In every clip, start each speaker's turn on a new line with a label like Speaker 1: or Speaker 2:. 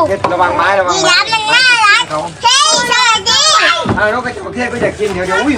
Speaker 1: ระวังไม้ระวัง
Speaker 2: ยี
Speaker 1: ไม้
Speaker 2: ราฟมันน่ารักเฮ้ยสวัสดี
Speaker 1: นกกระจอกเทศก็อยากกินเดี๋ยวอุ้ย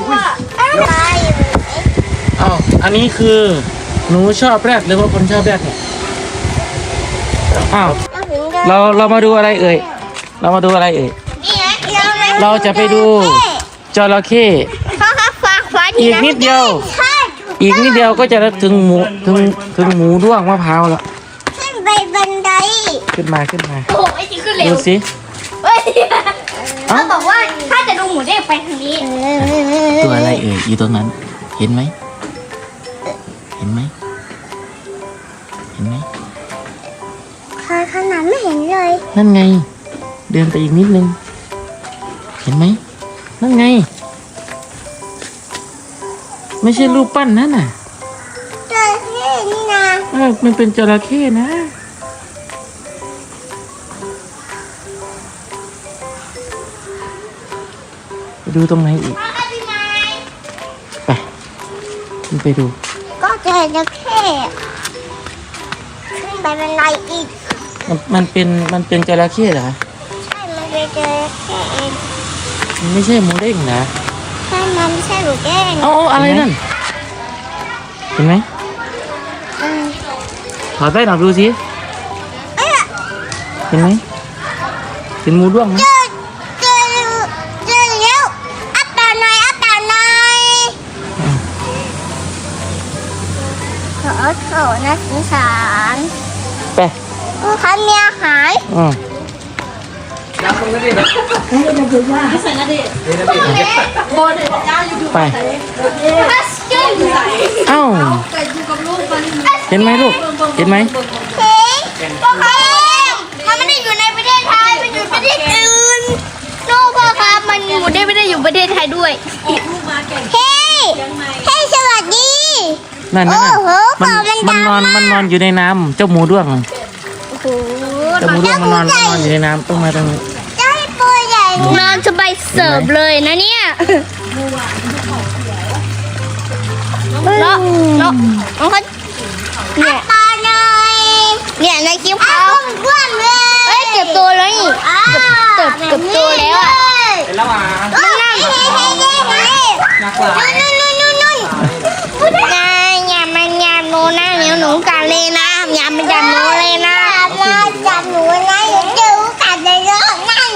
Speaker 3: อ้าวอันนี้คือหนูชอบแรดหรือว่าคนชอบแรดเนี่ยอ้าวเรามาดูอะไรเอ่ยเรามาดูอะไรเอ่ยเราจะไปดูจระเข้
Speaker 2: พ่อครับฝากไว้
Speaker 3: อีกนิดเดียวอีกนิดเดียวก็จะถึงหมูถึงหมูด้วงมะพร้าวแล้ว
Speaker 2: ขึ้นไปบันได
Speaker 3: ขึ้นมา
Speaker 2: โอ้ไอ้ที่ขึ้นเร็ว
Speaker 3: ดูสิ
Speaker 2: เฮ้ยเขาบอกว่าถ้าจะดูหมูเด้งไปทางนี้
Speaker 3: ตัวอะไรเอ่ยอยู่ตรงนั้นเห็นไหมเห็นไหมเห็นไหม
Speaker 2: ขนาดไม่เห็นเลย
Speaker 3: นั่นไงเดินไปอีกนิดนึงเห็นไหมนั่นไงไม่ใช่รูปปั้นนั่นน่ะ
Speaker 2: จระเข้นี่นะ
Speaker 3: มันเป็นจระเข้นะไปดูตรงไหนอีกไปขึ้นไปดู
Speaker 2: ก็จระเข้ขึ้นไปบันไดอีก
Speaker 3: มันเป็นจระเข้เหรอ
Speaker 2: ใช่มันเป็นจระเข้เอง
Speaker 3: มันไม่ใช่หมูเด้งนะ
Speaker 2: ใช่มันไม่ใช่หมูเด้ง
Speaker 3: เอาอะไรนั่นเห็นไหมถอดแว่นออกดูสิเห็นไหมเห็นหมูด้วงไหม
Speaker 2: เจอแล้วอัปตาหน่อยโถน่าสงสาร
Speaker 3: ไป
Speaker 2: ผู้ค้ามีอาหาร
Speaker 1: น้ำมันก็ดีนะ
Speaker 3: ไปเอ้าเห็นไหมลูกเห็นไหม
Speaker 2: เฮ้ยพ่อครับมันไม่ได้อยู่ในประเทศไทยมันอยู่ประเทศอื่นโน่พ่อครับมันหมูไม่ได้อยู่ประเทศไทยด้วยเฮ้ยสวัสดี
Speaker 3: นั่น
Speaker 2: โอ้โห
Speaker 3: มันนอนอยู่ในน้ำเจ้าหมูด้วง
Speaker 2: โอ้โห
Speaker 3: เจ้าหมูด้วงมันนอนอยู่ในน้ำต้องมาตรงนี้
Speaker 2: เจ้าตัวใหญ่นอนสบายเสิร์ฟเลยนะเนี่ยแล้วเขาเนี่ยตาหน่อยเนี่ยในคลิปเขาเอ้ยเก็บตัวแล้วนี่เก็บตัวแล้วอ่ะ
Speaker 1: เป็นระหว่าง
Speaker 2: มันนั่ง
Speaker 1: นักกว่า
Speaker 2: อย่ามันยามโนนะเดี๋ยวหนูกัดเลยนะอย่ามันจับหนูเลยนะจับหนูนะเดี๋ยวจูกัดเลยนะนั่ง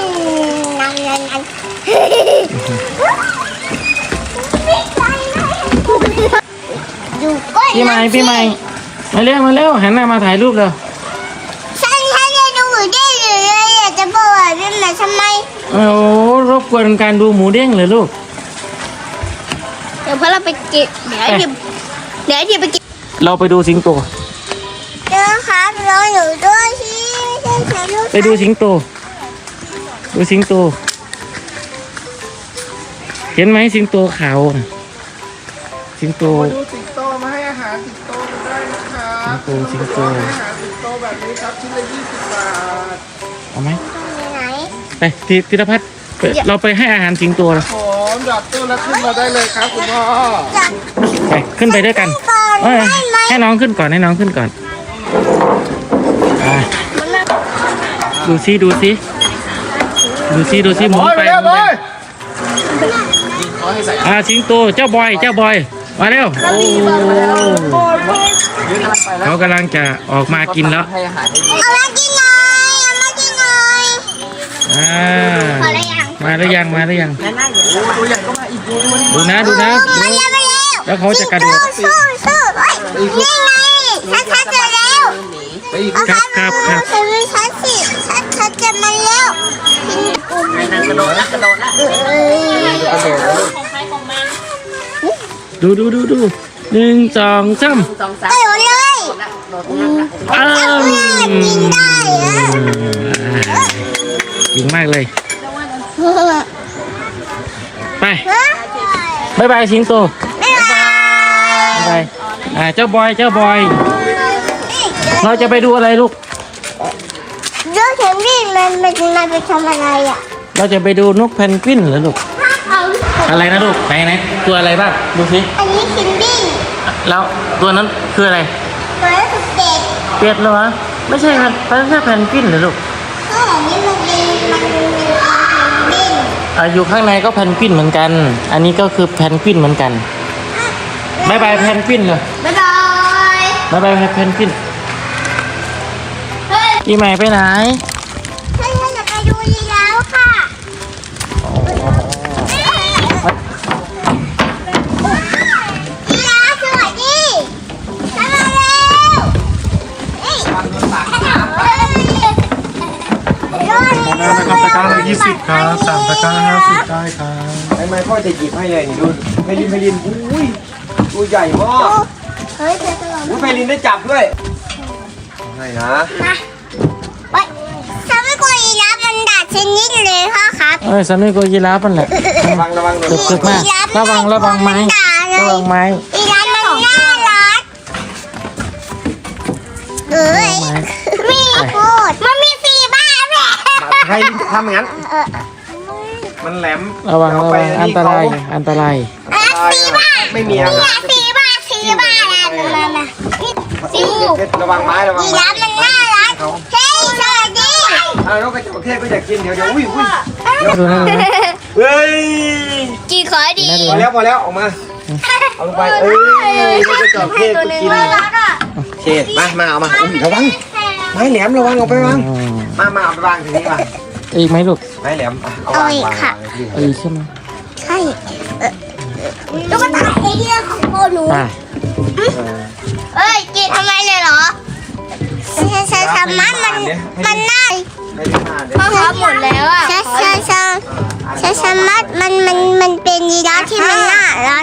Speaker 2: อยู่ก้น
Speaker 3: พี่ใหม่มาเร็วหันหน้ามาถ่ายรูปเลย
Speaker 2: ฉันจะดูได้เลยอยากจะบอกว่าเป็นแบบทำไม
Speaker 3: โอ้รบกวนการดูหมูเด้งเลยลูก
Speaker 2: เดี๋ยวพอเราไปเก็บเดี๋ยวที่ไปเก็บ
Speaker 3: เราไปดูสิงโต
Speaker 2: เดี๋ยวครับรออยู่ด้วยสิไม่ใช่ฉันลูก
Speaker 3: ไปดูสิงโตเห็นไหมสิงโตขาวน่ะสิงโต
Speaker 1: ดูสิงโตมาให้อาหารสิงโตกันได้นะครับ
Speaker 3: สิงโต
Speaker 1: ให้อาหารสิงโตแบบนี้ครับชิ้นละ20 บาท
Speaker 3: เอาไหม
Speaker 2: ไหน
Speaker 3: ไปธีรพัฒน์เราไปให้อาหารสิงโตแล้ว
Speaker 1: ผมดับตู้แล้วขึ้นมาได้เลยครับคุณพ่อ
Speaker 2: จับ
Speaker 3: ไปขึ้นไปด้วยกัน
Speaker 2: ก่อน
Speaker 3: เอ้ย
Speaker 2: ได้ไหม
Speaker 3: ให้น้องขึ้นก่อนอ่ะดูซิหมุนไปสิงโตเจ้าบอยมาเร็วโอ้เขากำลังจะออกมากินแล้ว
Speaker 1: ให้อาหารให้ดี
Speaker 2: เอามากินหน่อย
Speaker 3: มาหรือยัง
Speaker 1: โอ้ตัวใหญ่ก็มาอีกดูนะ
Speaker 3: ดูนะ
Speaker 2: มาเร็ว
Speaker 3: แล้วเขาจะกระโดด
Speaker 2: สู้นี่ไงฉันเจอแล้ว
Speaker 1: ไปอีก
Speaker 3: ครับ
Speaker 2: ฉันสิฉันจะมาแล้ว
Speaker 1: กระโดดละ
Speaker 3: ดู1 2 3
Speaker 2: กระโดดเลย
Speaker 3: อ้าว
Speaker 2: กินได้อะ
Speaker 3: เก่งมากเลยไปบ๊ายบายสิงโตบ๊ายบายเจ้าบอยเราจะไปดูอะไรลูก
Speaker 2: เดี๋ยวฉันนี่มันไปทำอะไรอ่ะ
Speaker 3: เราจะไปดูนกเพนกวินเหรอลูกอะไรนะลูกไหนตัวอะไรบ้างดูสิ
Speaker 2: อันนี้คิมบี้
Speaker 3: แล้วตัวนั้นคืออะไร
Speaker 2: ตัวสุดเด็ด
Speaker 3: เป็ดเหรอไม่ใช่ครับไม่ใช่เพนกวินเหรอลูก
Speaker 2: อันนี้
Speaker 3: อยู่ข้างในก็แพนกวินเหมือนกัน อันนี้ก็คือแพนกวินเหมือนกันบายบายแพนกวินเลย
Speaker 2: บ๊ายบาย
Speaker 3: บายบายแพนกวิน
Speaker 2: เฮ้ย
Speaker 3: ปีใหม่ไปไหน
Speaker 2: ฉันจะไปดูยีราฟค่ะยีราฟสวัสดีฉันมาแล้วนี่
Speaker 1: นะครับตะกร้าละ20ครับ3ตะกร้า50ได้ครับ
Speaker 4: ไม่พ่อจะหยิบให้เลยนี่ดูไพลินอุ้ยตัวใหญ่มาก
Speaker 2: เฮ้ยเธอจะลอง
Speaker 4: อุ้ยไพลินได้จับด้วยให้นะ
Speaker 2: มาเฮ้ยฉันไม่กลัวยีราฟมันด่าฉันนิดเลยพ่อครับ
Speaker 3: สามีก็ยีราฟมันแหละ
Speaker 4: ระวังระวัง
Speaker 3: เกือบมากระวังไม้ระวังไม้
Speaker 2: ยีราฟมันน่ารักเอ้ยมีพูดมันมีสีบ้าแหละ
Speaker 4: ไพลินจะทำอย่างนั้นมันแหลม
Speaker 3: ระวังอันตราย
Speaker 2: สีบ้า
Speaker 4: ไม่มีอะไร
Speaker 2: สีบ้านั่นน่ะสี
Speaker 4: ระวังไม้ระวัง
Speaker 2: ยี
Speaker 4: ไม้
Speaker 2: ราฟมันน่ารักเฮ้ยสวัสดี
Speaker 4: นกกระจอกเทศก็อยากกินเดี๋ยวอุ้ย
Speaker 3: ดูนะ
Speaker 4: เฮ้ย
Speaker 2: กินขอดี
Speaker 4: พอแล้วออกมาเอาลงไปนกกระจอกเทศก็กินเทศมาเอามาอุ้ยระวังไม้แหลมระวังเอาไปวางมาเอาไปวางทีนี้มา
Speaker 3: อีกไหมลูก
Speaker 4: ไม้แหลมเอาวาง
Speaker 3: อีกใช่ไหม
Speaker 2: ใช่ตุ๊กตาไอเดียของพ่อหนู
Speaker 3: ไป
Speaker 2: เอ้ยกินทำไมเลยเหรอฉันทำมันน่าพ่อครับหมดแล้วอ่ะฉันทำมันเป็นยีราฟที่มันน่ารัก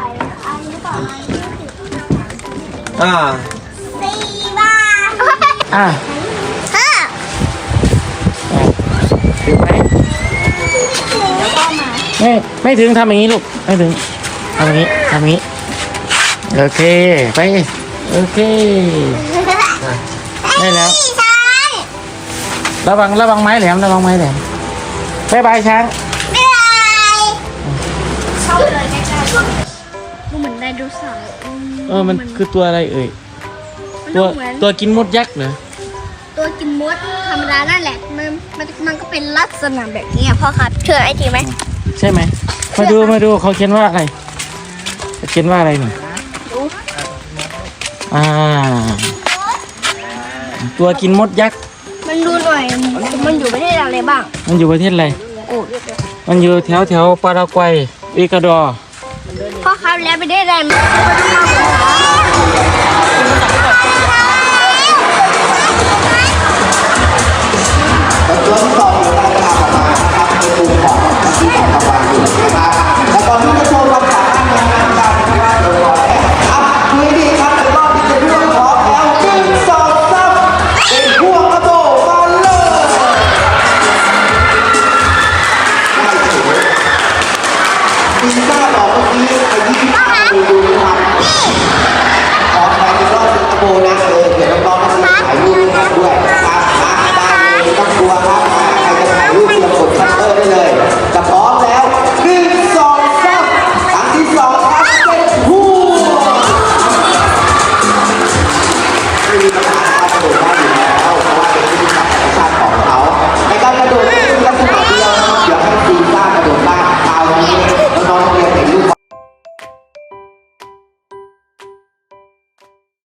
Speaker 2: สีบ้า
Speaker 3: อ่ะ
Speaker 2: เออ
Speaker 3: ถึงไหมไม่ถึงทำอย่างนี้ลูกไม่ถึงทำอย่างนี้โอเคไปโอเคได้แล้ว
Speaker 2: ฉัน
Speaker 3: ระวังไม้แหลมบายบายช้าง
Speaker 2: เหนื่อยชอบเลยใกล้ๆดูเหมือนไดโนเสาร์
Speaker 3: มันคือตัวอะไรเอ่ยตัวกินมดยักษ์เหรอ
Speaker 2: ตัวกินมดธรรมดานั่นแหละมันก็เป็นลักษณะแบบนี้พ่อครับเชื่อไอทีไหม
Speaker 3: ใช่ไหมมาดูเขาเขียนว่าอะไรเขียนว่าอะไรนี่ตัวกินมดยักษ์
Speaker 2: มันดูหน่อยมันอยู่ประเทศอะไรบ้าง
Speaker 3: มันอยู่ประเทศอะไรมันอยู่แถวปารากวัยเอกวาดอร์
Speaker 2: พ่อครับแล้วประเทศอะไรมัน